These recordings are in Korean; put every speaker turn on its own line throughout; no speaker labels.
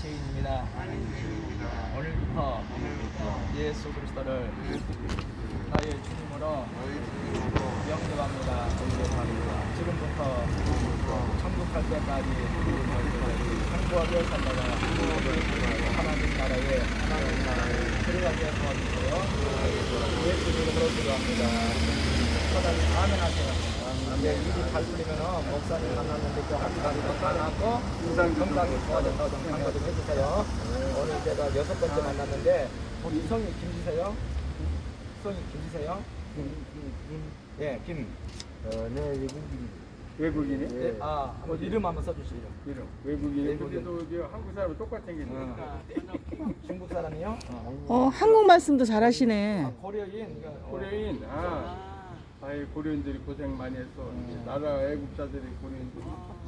죄인입니다. 오늘부터 예수 그리스도를 나의 주님으로 영접합니다. 지금부터 천국 갈 때까지 행복하게 살다가 하나님 나라에 들어가게 도와주세요. 예수 이름으로 기도합니다. 하나님 아멘 하세요. 이제 일이 잘 풀리면 목사님 만났는데 또 한 가지도 만나고 건강이 좋아졌다고 좀 강조 좀 해주세요. 오늘 제가 6번째 만났는데 우리 성이 김지세요? 성이 김지세요? 예, 김.
네, 외국인이?
네, 한번 이름 한번 써주시죠.
이름. 외국인이.
외국인.
근데도 한국 사람 똑같이 생겼네.
중국 사람이요?
한국 말씀도 잘하시네.
고려인.
고려인. 아이 고려인들이 고생 많이 했어. 나라 애국자들이 고려인들이.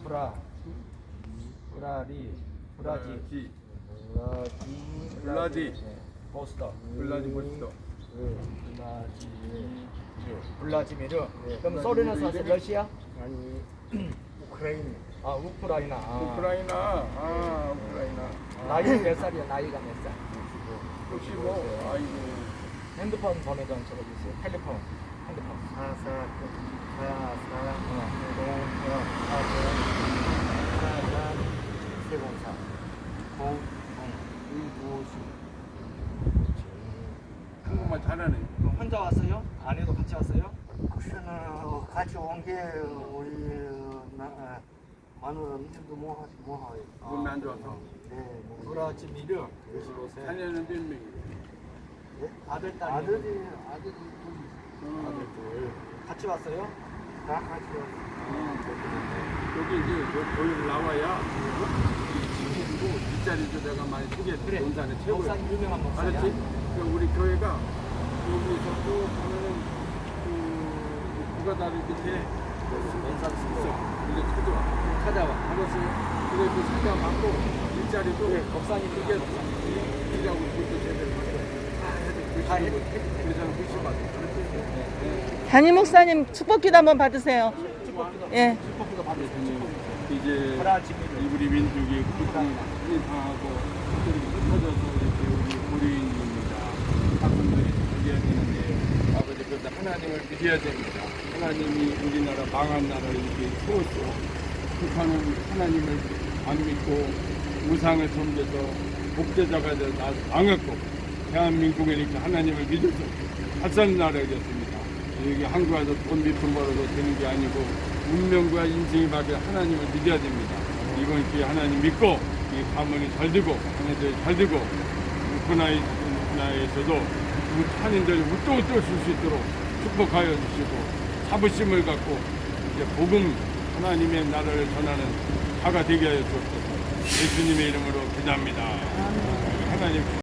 블라디.
보스터.
블라디보스토.
블라지미르. 그럼 소련에서 사실 러시아?
아니 우크라이나.
우크라이나.
우크라이나. 우크라이나.
나이는 몇 살이야? 나이가 몇 살?
65. 아이고.
핸드폰 번호 좀 적어주세요. 텔레폰. 핸드폰.
한국말 잘하네.
혼자 왔어요? 아내도 같이 왔어요?
같이 온 게 우리 마누라 민도 뭐하요?
몸이 안 좋아서.
네,
브라지미르 25세.
자녀는 몇 명이에요?
아들, 딸.
아들이
아들 둘. 같이 왔어요?
다 같이 왔어요.
여기 이제 여기 나와야 지키고 뒷자리도 내가 많이 소개해. 논산의 최고야.
목사님 유명한 목사야.
알았지? 우리 교회가 여기서 쭉 가면은 부가다리 밑에 있어. 이제 찾아와. 알았어. 그래 그 찾아받고 일자리도
목사님
이게 일하고 그것도 제대로 다 해도 그래서 훨씬 받아.
담임 목사님 축복기도 한번 받으세요. 예.
축복기도 받으세요. 축복기도.
이제
브라지미르.
우리 민족이 고통이 당하고 이렇게 흩어져서 이렇게 우리 고려인입니다. 학생들이 살려야 되는데 아버지 그런데 하나님을 믿어야 됩니다. 하나님이 우리나라 망한 나라를 이렇게 세웠어. 북한은 하나님을 안 믿고 우상을 섬겨서 목재자가 돼서 망했고 대한민국은 이렇게 하나님을 믿어서 갓산 나라가 됐습니다. 여기 한국 와서 돈 밑으로 벌어서 되는 게 아니고 운명과 인생이 밖에 하나님을 믿어야 됩니다. 이번 기회에 하나님 믿고 이 가문이 잘 되고 하나님들이 잘 되고 우크라이나에서도 한인들이 웃도웃도 줄 수 있도록 축복하여 주시고 자부심을 갖고 이제 복음 하나님의 나라를 전하는 자가 되게 하여 주옵소서. 예수님의 이름으로 기도합니다. 하나님